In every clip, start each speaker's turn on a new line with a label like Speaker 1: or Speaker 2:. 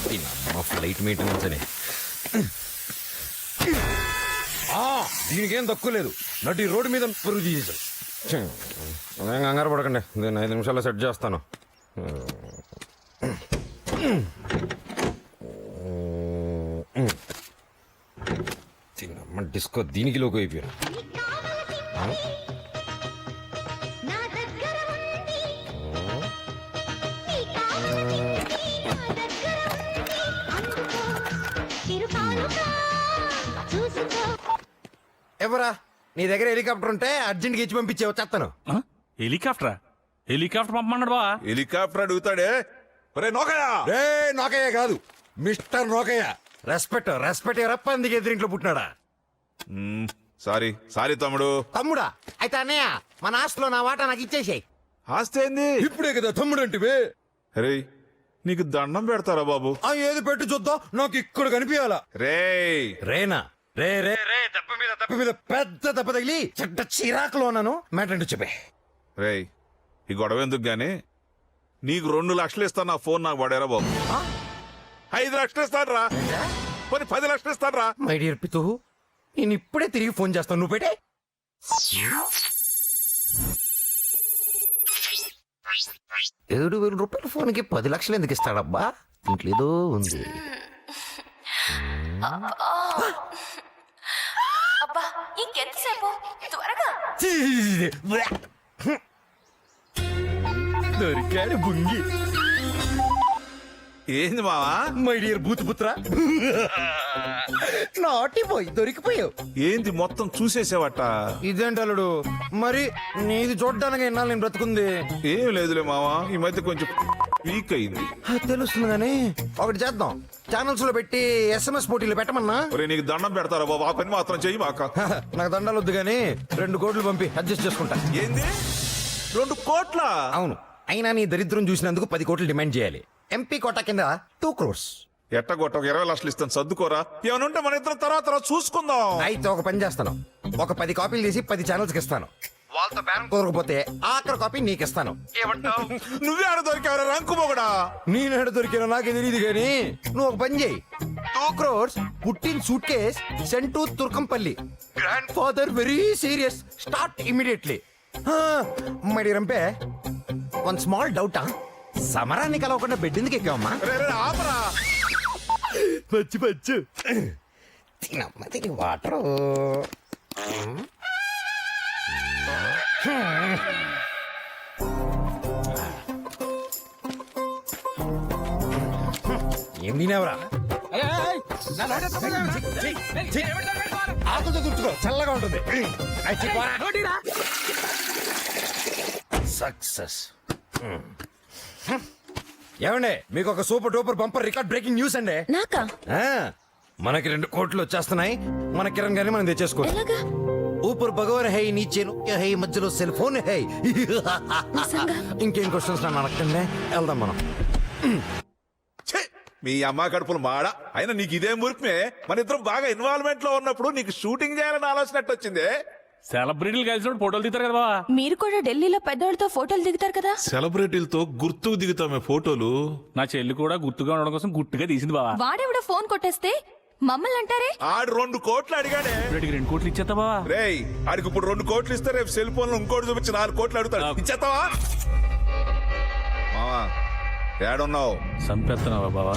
Speaker 1: Flight maintenance అని దీనికేం తక్కువ లేదు. నటు ఈ రోడ్డు మీద పరుగు తీసేసాడు. అదేం కంగారు పడకండి, నేను 5 నిమిషాల్లో సెట్ చేస్తాను. డిస్కో దీనికి లోకి అయిపోయారు. ఎవరా నీ దగ్గర హెలికాప్టర్ ఉంటే అర్జెంట్గా ఇచ్చి పంపించే వచ్చేస్తాను.
Speaker 2: హెలికాప్టరా? హెలికాప్టర్ పంపమన్నాడు బా.
Speaker 3: హెలికాప్టర్ అడుగుతాడే.
Speaker 1: రే నోకయ్య కాదు, మిస్టర్ నోకయ్య. రెస్పెక్ట్ రెస్పెక్ట్ రప్ప అందుకే ఎదురింట్లో పుట్టినాడా?
Speaker 3: సారీ తమ్ముడు.
Speaker 1: తమ్ముడా? అయితే అన్నయ్య మన ఆస్తిలో నా వాటా నాకు ఇచ్చేసాయి.
Speaker 3: ఆస్తి ఏంది?
Speaker 1: ఇప్పుడే కదా తమ్ముడు అంటే.
Speaker 3: రే నీకు దండం పెడతారా బాబు?
Speaker 1: ఏది పెట్టు చూద్దాం, నాకు ఇక్కడ కనిపించాలా. రేనా? రే రే రే దెబ్బ మీద పెద్ద దెబ్బ తగిలి చెడ్డ చిరాకులో ఉన్నాను. మ్యాటర్ చెప్పే.
Speaker 3: రే ఈ గొడవ ఎందుకు గానీ నీకు 2 లక్షలు ఇస్తాను, నా ఫోన్ నాకు పడారా బాబు. 5 లక్షలు ఇస్తాను రా, 10 లక్షలు ఇస్తాను రా.
Speaker 1: మై డియర్ పితు, నేను ఇప్పుడే తిరిగి ఫోన్ చేస్తాను, నువ్వు పెట్టే. 7,000 రూపాయల ఫోన్కి 10 లక్షలు ఎందుకు ఇస్తాడబ్బా? ఇంట్లో ఏదో ఉంది.
Speaker 4: అబ్బా ఇంకెంతసేపు, త్వరగా.
Speaker 1: దొరికాడు బుంగి.
Speaker 3: ఏంది మావా?
Speaker 1: మై డియర్ భూతపుత్ర, నాటి పోయి దొరికిపోయావు.
Speaker 3: ఏంది మొత్తం చూసేసేవట?
Speaker 1: ఇదేంటలుడు మరి నీది చూడ్డానికి ఎన్నాళ్ళు నేను బ్రతుకుంది.
Speaker 3: ఏం లేదులే మావా, ఈ మధ్య కొంచెం వీక్ అయింది.
Speaker 1: తెలుస్తుంది కానీ ఒకటి చేద్దాం, ఛానల్స్ లో పెట్టి SMS పోటీలు పెట్టమన్నా.
Speaker 3: నీకు దండం పెడతారా బాబు, ఆ పని మాత్రం చెయ్యి మాక.
Speaker 1: నాకు దండాలు వద్దు కానీ 2 కోట్లు పంపి అడ్జస్ట్ చేసుకుంటా.
Speaker 3: ఏంది 2 కోట్ల?
Speaker 1: అవును, అయినా నీ దరిద్రం చూసినందుకు 10 కోట్లు డిమాండ్ చేయాలి. MP కోటా కింద 2 crores.
Speaker 3: ఎట్టగొట్ట 20 లక్షలు ఇస్తాను, సర్దుకోరా. ఏమైనా ఉంటే మన ఇద్దరం తర్వాత చూసుకుందాం.
Speaker 1: అయితే ఒక పని చేస్తాను, ఒక 10 కాపీలు తీసి 10 ఛానల్స్ కి ఇస్తాను. వాళ్ళతో బేరం కుదరకపోతే ఆఖరి కాపీ నీకు ఇస్తాను.
Speaker 3: నువ్వే ఆడ దొరికావరా రంకు మొగడా?
Speaker 1: నేనాడ దొరికినా నాకే తెలియదు కానీ నువ్వు ఒక పని చేయి. 2 crores పుట్టిన suitcase sent to Turkampalli. Grandfather very serious, start immediately. My dear రంపే, వన్ స్మాల్ డౌటా, సమరాన్ని కలవకుండా బెడ్ ఎందుకు ఎక్కావమ్మా? పచ్చు తినమ్మది వాటరు. ఏం తినేవరా? ఆకులతో తుడుచుకో, చల్లగా ఉంటుంది. సక్సెస్. ఏమండి మీకు ఒక super duper bumper record breaking news అండి.
Speaker 4: నాకా?
Speaker 1: మనకి 2 కోట్లు వచ్చేస్తున్నాయి. మన కిరణ్ గారిని మనం తెచ్చేసుకోవాలి.
Speaker 4: ఎలాగా?
Speaker 1: ఊపర్ భగవాన్ హై, నీచే హై, మధ్యలో సెల్ ఫోన్ హై. ఇంకేం క్వశ్చన్స్ నన్ను అడగండి, వెళ్దాం మనం.
Speaker 3: మీ అమ్మ కడుపులు మాడ. అయినా నీకు ఇదే మురికిమే, మన ఇద్దరం బాగా ఇన్వాల్వ్మెంట్ లో ఉన్నప్పుడు నీకు షూటింగ్ చేయాలని ఆలోచన వచ్చింది.
Speaker 2: సెలబ్రిటీలు కలిసినప్పుడు ఫోటోలు దిగుతారు కదా బావా.
Speaker 4: మీరు కూడా ఢిల్లీలో పెద్దవాళ్ళతో ఫోటోలు దిగుతారు కదా.
Speaker 3: సెలబ్రిటీలతో గుర్తుకు దిగుతామే ఫోటోలు.
Speaker 2: నా చెల్లి కూడా గుర్తుగా ఉండడం కోసం గుట్టుగా తీసింది బావా.
Speaker 4: వాడెవడో ఫోన్ కొట్టేస్తే మమ్మల్ని అంటారే.
Speaker 3: ఆడు 2 కోట్లు అడిగాడే.
Speaker 2: 2 కోట్లు ఇచ్చేస్తా బావా.
Speaker 3: రేయ్ ఆడికి ఇప్పుడు 2 కోట్లు ఇస్తే రేపు సెల్ ఫోన్ లో ఇంకోటి చూపించి 4 కోట్లు అడుగుతాడు. ఇచ్చేస్తావా? మావా ఏడున్నావు?
Speaker 2: సంపేస్తున్నావా బావా?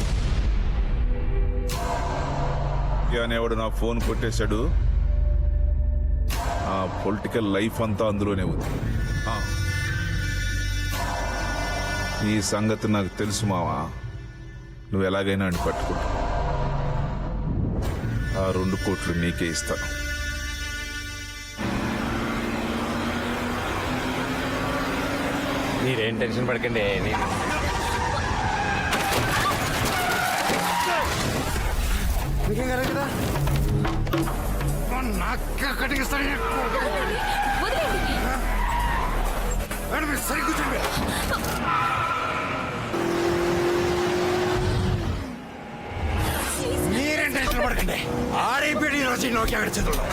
Speaker 3: అనేవాడు నా ఫోన్ కొట్టేశాడు. ఆ పొలిటికల్ లైఫ్ అంతా అందులోనే ఉంది. ఈ సంగతి నాకు తెలుసు మావా. నువ్వు ఎలాగైనా అని పట్టుకుంటా. ఆ 2 కోట్లు నీకే ఇస్తాను.
Speaker 1: మీరేం టెన్షన్ పడకండి. మీకేం కదా సరి కూర్చోండి. మీరేం టెన్షన్ పడకండి. ఆడైపోయి రోజు నోకి అక్కడ చదువు.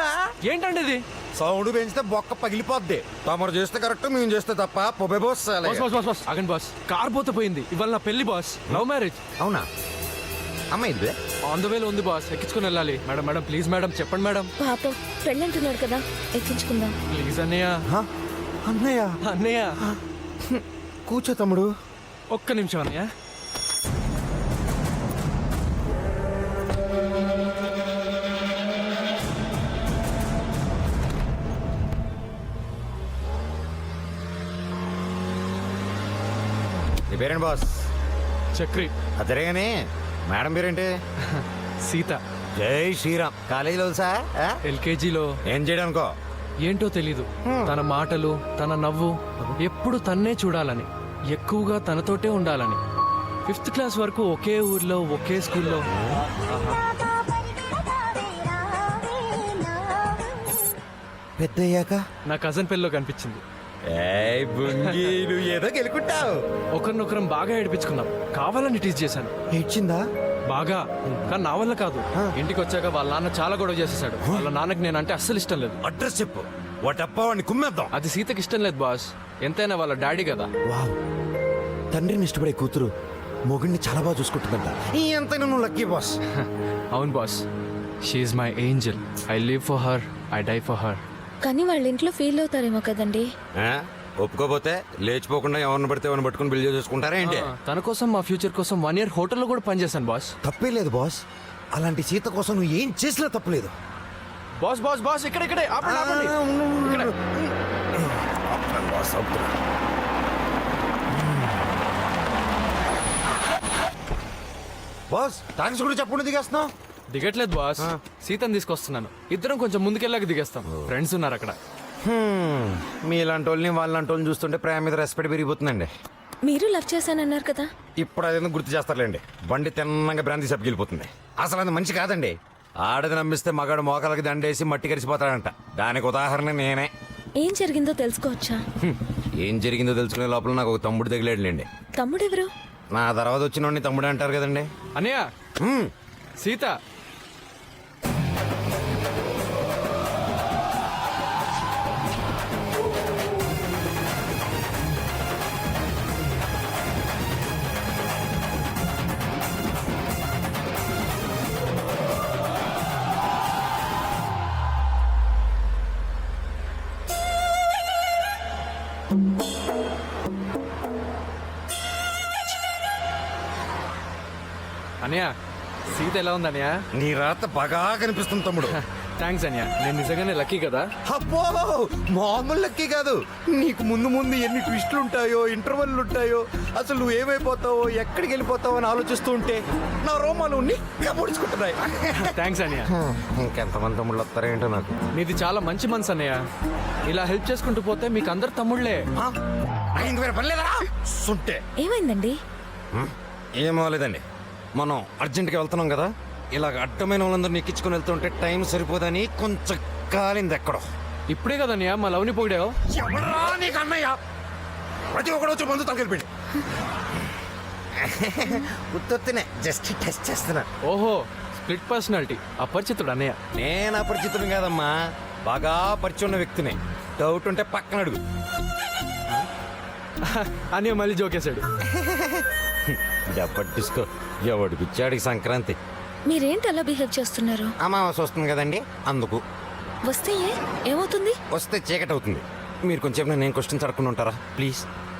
Speaker 1: అవునా
Speaker 5: ఏంటండి ఇది?
Speaker 1: సౌండ్ పెంచితే బొక్క పగిలిపోద్ది. తమరు చేస్తే కరెక్ట్, మేము చేస్తే తప్ప పొబే boss.
Speaker 5: Boss boss boss boss ఆగండి బాస్. కార్ పోతే పోయింది. ఇవాళ నా పెళ్లి బాస్. Love marriage.
Speaker 1: అవునా అమ్మ ఇది
Speaker 5: ఆన్ ద వేలో ఉంది బాస్. ఎక్కించుకుని వెళ్ళాలి. మేడం మేడం ప్లీజ్ మేడం చెప్పండి మేడం.
Speaker 4: పాపం పెళ్ళంటున్నాడు కదా, ఎక్కించుకుందాం.
Speaker 5: ప్లీజ్ అన్నయ్య.
Speaker 1: అన్నయ్య.
Speaker 5: అన్నయ్య
Speaker 1: కూర్చో తమ్ముడు.
Speaker 5: ఒక్క నిమిషం అన్నయ్య.
Speaker 1: నీ పేరేంటి బాస్?
Speaker 5: చక్రి.
Speaker 1: అదరేగానే మేడం పేరేంటి?
Speaker 5: సీత.
Speaker 1: జై శ్రీరామ్. కాలేజీలో తెలుసా?
Speaker 5: ఎల్కేజీలో
Speaker 1: ఏం చేయడానికో?
Speaker 5: ఏంటో తెలీదు. తన మాటలు, తన నవ్వు ఎప్పుడు తన్నే చూడాలని, ఎక్కువగా తనతోటే ఉండాలని. 5th క్లాస్ వరకు ఒకే ఊర్లో ఒకే స్కూల్లో.
Speaker 1: పెద్దయ్యాక
Speaker 5: నా కజన్ పెళ్ళిలో కనిపించింది.
Speaker 1: ఏయ్ బుంగి, నువ్వు ఏదో గెలుకుంటావు.
Speaker 5: ఒకరినొకరం బాగా ఏడిపించుకున్నాం. కావాలని టీజ్ చేశాను
Speaker 1: ఇచ్చిందా?
Speaker 5: బాగా. కానీ నా వల్ల కాదు. ఇంటికి వచ్చాక వాళ్ళ నాన్న చాలా గొడవ చేసేసాడు. వాళ్ళ నాన్నకి నేనంటే అస్సలు ఇష్టం లేదు.
Speaker 1: అడ్రస్ చెప్పు, వాటప్ప వాడిని కుమ్మేద్దాం.
Speaker 5: అది సీతకి ఇష్టం లేదు బాస్. ఎంతైనా వాళ్ళ డాడీ కదా.
Speaker 1: వావ్, తండ్రిని ఇష్టపడే కూతురు మొగుడిని చాలా బాగా చూసుకుంటుందంట. ఎంతైనా నువ్వు లక్కీ బాస్.
Speaker 5: అవును boss. She's my angel. I live for her, I die for her.
Speaker 4: కానీ వాళ్ళ ఇంట్లో ఫీల్ అవుతారేమో కదండి.
Speaker 1: ఒప్పుకోపోతే లేచిపోకుండా ఎవరిని పడితే ఎవరిని పట్టుకుని బిల్ చేసుకుంటారా ఏంటి?
Speaker 5: తన కోసం, మా ఫ్యూచర్ కోసం 1 year హోటల్లో కూడా పనిచేశాను బాస్.
Speaker 1: తప్పే లేదు బాస్. అలాంటి సీత కోసం నువ్వు ఏం చేసినా తప్పలేదు.
Speaker 5: బాస్ బాస్ బాస్ ఇక్కడే ఇక్కడే ఆపండి, ఆపండి. ఇక్కడ.
Speaker 1: బాస్ అవుతున్నా. బాస్ థ్యాంక్స్ కూడా చెప్పకుండా దిగేస్తున్నావు.
Speaker 5: దిగట్లేదు బాస్. సీతను తీసుకొస్తున్నాను. ఇద్దరం కొంచెం ముందుకెళ్ళాక దిగేస్తాం. ఫ్రెండ్స్ ఉన్నారు అక్కడ.
Speaker 1: మీలాంటి వాళ్ళని వాళ్ళంటి వాళ్ళని చూస్తుంటే ప్రేమ మీద రెస్పెక్ట్ పెరిగిపోతుందండి.
Speaker 4: మీరు లవ్ చేశానన్నారు కదా.
Speaker 1: ఇప్పుడు అదేందుకు గుర్తు చేస్తారులేండి. బండి తిన్నంగా బ్రాంతి సబ్బిగిలిపోతుంది. అసలు అది మంచి కాదండి. ఆడది నమ్మిస్తే మగాడు మోకాలకి దండేసి మట్టి కరిసిపోతాడంట. దానికి ఉదాహరణ నేనే.
Speaker 4: ఏం జరిగిందో తెలుసుకోవచ్చా?
Speaker 1: ఏం జరిగిందో తెలుసుకునే లోపల నాకు ఒక తమ్ముడు తగిలేడులేండి.
Speaker 4: తమ్ముడెవరు?
Speaker 1: నా తర్వాత వచ్చిన వాడిని తమ్ముడు అంటారు కదండి.
Speaker 5: అన్నయ్య, సీత. అన్నయ్య, సీత ఎలా ఉంది అన్నయ్య?
Speaker 1: నీ రాత బాగా కనిపిస్తుంది తమ్ముడు.
Speaker 5: థ్యాంక్స్ అన్నయ్య. నేను నిజంగానే లక్కీ కదా.
Speaker 1: అబ్బో, మామూలు లక్కీ కాదు. నీకు ముందు ముందు ఎన్ని ట్విస్టులు ఉంటాయో, ఇంటర్వెల్లు ఉంటాయో, అసలు నువ్వు ఏమైపోతావో, ఎక్కడికి వెళ్ళిపోతావో అని ఆలోచిస్తూ ఉంటే నా రోమాలు నిక్క పొడుచుకుంటున్నాయి.
Speaker 5: థ్యాంక్స్ అన్నయ్య.
Speaker 1: ఇంకెంతమంది తమ్ముళ్ళు వస్తారేంటో నాకు.
Speaker 5: నీది చాలా మంచి మనసు అన్నయ్య. ఇలా హెల్ప్ చేసుకుంటూ పోతే మీకు అందరు తమ్ముళ్లే.
Speaker 1: సుంటే
Speaker 4: ఏమైందండి?
Speaker 1: ఏమో లేదండి. మనం అర్జెంట్గా వెళ్తున్నాం కదా, ఇలాగ అడ్డమైన వాళ్ళందరూ ఎక్కించుకొని వెళ్తుంటే టైం సరిపోదని కొంచెం కాలింది ఎక్కడో.
Speaker 5: ఇప్పుడే కదన్నయ్య మా లవ్ని పొగిడావు.
Speaker 1: ఎవరా నీకు అన్నయ్య? ప్రతి ఒక్కడు వచ్చి మందు తలకెళ్ళిపోయింది. ఉత్తొత్తినే జస్ట్ టెస్ట్ చేస్తున్నా.
Speaker 5: ఓహో, స్ప్లిట్ పర్సనాలిటీ. అపరిచితుడు అన్నయ్య.
Speaker 1: నేను అపరిచితుడు కాదమ్మా, బాగా పరిచయం ఉన్న వ్యక్తిని. డౌట్ ఉంటే పక్కన అడుగు.
Speaker 5: అన్నయ్య మళ్ళీ జోకేశాడు.
Speaker 1: డబ్బట్టిసుకో, ఎవడు పిచ్చాడికి సంక్రాంతి.
Speaker 4: మీరేంటి అలా బిహేవ్ చేస్తున్నారు?
Speaker 1: అమావాస వస్తుంది కదండి, అందుకు.
Speaker 4: వస్తే ఏమవుతుంది?
Speaker 1: వస్తే చీకటి అవుతుంది. మీరు కొంచెం నేను క్వశ్చన్స్ అడగకుండా ఉంటారా ప్లీజ్?